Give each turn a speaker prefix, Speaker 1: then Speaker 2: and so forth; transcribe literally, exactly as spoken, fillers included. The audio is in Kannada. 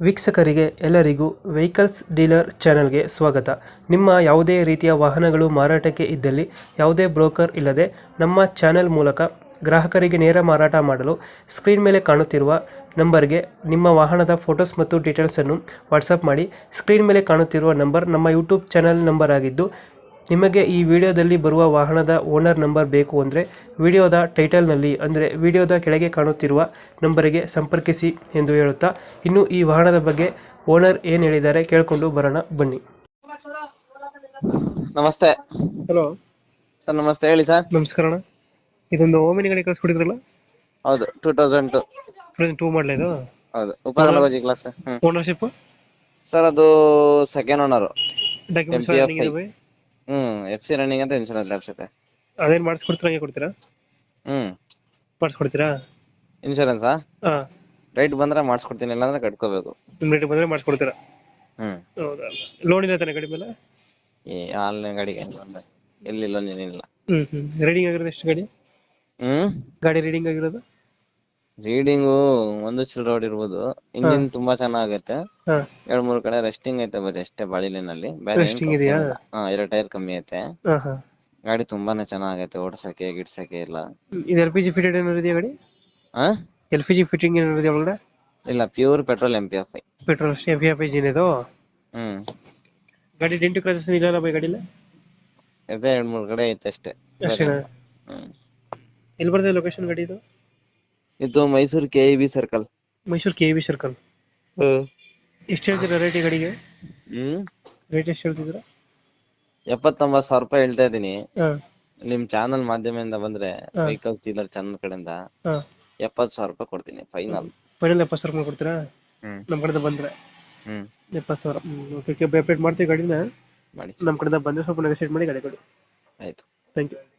Speaker 1: ವೀಕ್ಷಕರಿಗೆ ಎಲ್ಲರಿಗೂ ವೆಹಿಕಲ್ಸ್ ಡೀಲರ್ ಚಾನೆಲ್ಗೆ ಸ್ವಾಗತ. ನಿಮ್ಮ ಯಾವುದೇ ರೀತಿಯ ವಾಹನಗಳು ಮಾರಾಟಕ್ಕೆ ಇದ್ದಲ್ಲಿ ಯಾವುದೇ ಬ್ರೋಕರ್ ಇಲ್ಲದೆ ನಮ್ಮ ಚಾನೆಲ್ ಮೂಲಕ ಗ್ರಾಹಕರಿಗೆ ನೇರ ಮಾರಾಟ ಮಾಡಲು ಸ್ಕ್ರೀನ್ ಮೇಲೆ ಕಾಣುತ್ತಿರುವ ನಂಬರ್ಗೆ ನಿಮ್ಮ ವಾಹನದ ಫೋಟೋಸ್ ಮತ್ತು ಡೀಟೇಲ್ಸನ್ನು ವಾಟ್ಸಪ್ ಮಾಡಿ. ಸ್ಕ್ರೀನ್ ಮೇಲೆ ಕಾಣುತ್ತಿರುವ ನಂಬರ್ ನಮ್ಮ ಯೂಟ್ಯೂಬ್ ಚಾನೆಲ್ ನಂಬರ್ ಆಗಿದ್ದು, ನಿಮಗೆ ಈ ವಿಡಿಯೋದಲ್ಲಿ ಬರುವ ವಾಹನದ ಓನರ್ ನಂಬರ್ ಬೇಕು ಅಂದರೆ ವಿಡಿಯೋದ ಟೈಟಲ್ನಲ್ಲಿ ಅಂದರೆ ವಿಡಿಯೋದ ಕೆಳಗೆ ಕಾಣುತ್ತಿರುವ ನಂಬರಿಗೆ ಸಂಪರ್ಕಿಸಿ ಎಂದು ಹೇಳುತ್ತಾ, ಇನ್ನು ಈ ವಾಹನದ ಬಗ್ಗೆ ಓನರ್ ಏನು ಹೇಳಿದ್ದಾರೆ ಕೇಳಿಕೊಂಡು ಬರೋಣ ಬನ್ನಿ.
Speaker 2: ನಮಸ್ತೆ
Speaker 1: ಹಲೋ
Speaker 2: ಸರ್. ನಮಸ್ತೆ, ಹೇಳಿ ಸರ್.
Speaker 1: ನಮಸ್ಕಾರ ಅಣ್ಣ. ಇದೊಂದು ಓಮಿನಿ ಗಾಡಿ ಕಳಿಸ್ಕೊಡಿದ್ರಲ್ಲ,
Speaker 2: ಹೌದು, ಟೂ ತೌಸಂಡ್ ಟು
Speaker 1: ಟೂ ಮಾಡಲ ಇದು?
Speaker 2: ಹೌದು, ಉಪನಗರ ಕ್ಲಾಸ್.
Speaker 1: ಓನರ್ಶಿಪ್
Speaker 2: ಸರ್ ಅದು ಸೆಕೆಂಡ್ ಓನರ್.
Speaker 1: ಡಾಕ್ಯುಮೆಂಟ್ಸ್
Speaker 2: ಹ್ಮ್ ಎಫ್ ಸಿ ರನ್ನಿಂಗ್ ಅಂತ ಇನ್ಶೂರೆನ್ಸ್ ಲ್ಯಾಪ್ಸತೆ.
Speaker 1: ಅದೇನು ಮಾಡಿಸ್ಕೊಡ್ತೀರಾ, ಹಂಗೆ ಕೊಡ್ತೀರಾ?
Speaker 2: ಹ್ಮ್
Speaker 1: ಮಾಡಿಸ್ಕೊಡ್ತೀರಾ
Speaker 2: ಇನ್ಶೂರೆನ್ಸಾ?
Speaker 1: ಹಾಂ,
Speaker 2: ರೈಟ್ ಬಂದ್ರೆ ಮಾಡಿಸ್ಕೊಡ್ತೀನಿ, ಇಲ್ಲಾಂದ್ರೆ ಕಟ್ಕೋಬೇಕು.
Speaker 1: ನಿಮ್ಮ ರೇಟ್ ಬಂದರೆ ಮಾಡಿಸ್ಕೊಡ್ತೀರಾ?
Speaker 2: ಹ್ಮ್
Speaker 1: ಹೌದಾ? ಲೋನ್ ಇಲ್ಲ ತಾನೆ ಗಾಡಿ ಮೇಲೆ?
Speaker 2: ಈ ಆನ್ಲೈನ್ ಗಾಡಿಗೆ ಎಲ್ಲಿ ಲೋನ್ ಏನಿಲ್ಲ.
Speaker 1: ಹ್ಮ್ ಹ್ಮ್ ರೀಡಿಂಗ್ ಆಗಿರೋದು ಎಷ್ಟು ಗಾಡಿ?
Speaker 2: ಹ್ಮ್
Speaker 1: ಗಾಡಿ ರೀಡಿಂಗ್ ಆಗಿರೋದು?
Speaker 2: ರೀಡಿಂಗು ಒಂದು ಚಿಲ್ ರೋಡ್ ಇರ್ಬೋದು. ಇಂಜಿನ್ ತುಂಬಾ ಚೆನ್ನಾಗೈತೆ.
Speaker 1: ಹಾ,
Speaker 2: ಎರಡ್ ಮೂರ್ ಕಡೆ ರೆಸ್ಟಿಂಗ್ ಐತೆ ಬರೀ ಅಷ್ಟೇ, ಬಾಳಿಲಿನಲ್ಲಿ ಬೇರೆ ಏನ್
Speaker 1: Resting
Speaker 2: ತೊಂದ್ರೆ
Speaker 1: ಇದೆಯಾ?
Speaker 2: ಇಲ್ಲ. ಹಾ, ಎರಡು ಟೈರ್ ಕಮ್ಮಿ ಐತೆ.
Speaker 1: ಹಾ ಹಾ.
Speaker 2: ಗಾಡಿ ತುಂಬಾನೇ ಚೆನ್ನಾಗೈತೆ, ಓಡ್ಸಕ್ಕೆ ಗಿಡ್ಸಕ್ಕೆ ಇಲ್ಲ.
Speaker 1: ಇದು ಎಲ್ ಪಿ ಜಿ ಫಿಟೆಡ್ ಏನಾದ್ರು ಇದೆಯಾ ಗಾಡಿ?
Speaker 2: ಹಾ,
Speaker 1: ಎಲ್ ಪಿ ಜಿ ಫಿಟ್ಟಿಂಗ್ ಏನಾದ್ರು ಇದೆಯಾ ಒಳಗಡೆ?
Speaker 2: ಇಲ್ಲ, pure petrol M P F I.
Speaker 1: Petrol ಅಷ್ಟೇ, ಎಫ್ ಎಫ್ ಇಂಜಿನ್ ಇದು?
Speaker 2: ಹ್ಮ್
Speaker 1: ಗಾಡಿ ಡೆಂಟು ಕ್ರಾಚಸ್ ಇಲ್ಲ ಬೈ ಗಾಡಿಲ್ಲ?
Speaker 2: ಇದೆ, ಎರಡ್ ಮೂರ್ ಕಡೆ ಐತೆ ಅಷ್ಟೇ.
Speaker 1: ಅಷ್ಟೇನಾ?
Speaker 2: ಹ್ಮ್
Speaker 1: ಎಲ್ಲಿ ಬರ್ತದೆ ಲೊಕೇಶನ್ ಗಾಡಿ ಇದು?
Speaker 2: ಇದು Mysuru K E B circle.
Speaker 1: Mysuru K V circle. ಎಷ್ಟು ಹೇಳ್ತೀರಾ ರೇಟ್ ಈ ಗಾಡಿಗೆ?
Speaker 2: ಹ್ಮ್
Speaker 1: ರೇಟ್ ಎಷ್ಟು ಹೇಳ್ತಿದ್ದೀರಾ?
Speaker 2: ಎಪ್ಪತ್ತೊಂಬತ್ತು ಸಾವಿರ ರೂಪಾಯಿ ಹೇಳ್ತಾ ಇದೀನಿ.
Speaker 1: ಹಾ
Speaker 2: ನಿಮ್ ಚಾನಲ್ ಮಾಧ್ಯಮದಿಂದ ಬಂದ್ರೆ
Speaker 1: ಹಾ.
Speaker 2: ವೆಹಿಕಲ್ಸ್ ಡೀಲರ್ ಚಾನಲ್ ಕಡೆಯಿಂದ
Speaker 1: ಹಾ,
Speaker 2: ಎಪ್ಪತ್ತು ಸಾವಿರ ರೂಪಾಯಿ ಕೊಡ್ತೀನಿ ಫೈನಲ್.
Speaker 1: ಫೈನಲ್ ಎಪ್ಪತ್ತು ಸಾವಿರ ರೂಪಾಯಿ ಕೊಡ್ತೀರಾ
Speaker 2: ಹ್ಮ್
Speaker 1: ನಮ್ಮ ಕಡೆಯಿಂದ ಬಂದ್ರೆ?
Speaker 2: ಹ್ಮ್
Speaker 1: ಎಪ್ಪತ್ತು ಸಾವಿರ. ಓಕೆ, ಅಪ್ಡೇಟ್ ಮಾಡ್ತೀವಿ ಗಾಡಿನ.
Speaker 2: ಮಾಡಿ,
Speaker 1: ನಮ್ಮ ಕಡೆಯಿಂದ ಬಂದರೆ ಸ್ವಲ್ಪ ನೆಗೋಸಿಯೇಟ್ ಮಾಡಿ ಗಾಡಿ ಕೊಡಿ.
Speaker 2: ಆಯ್ತು.
Speaker 1: Thank you.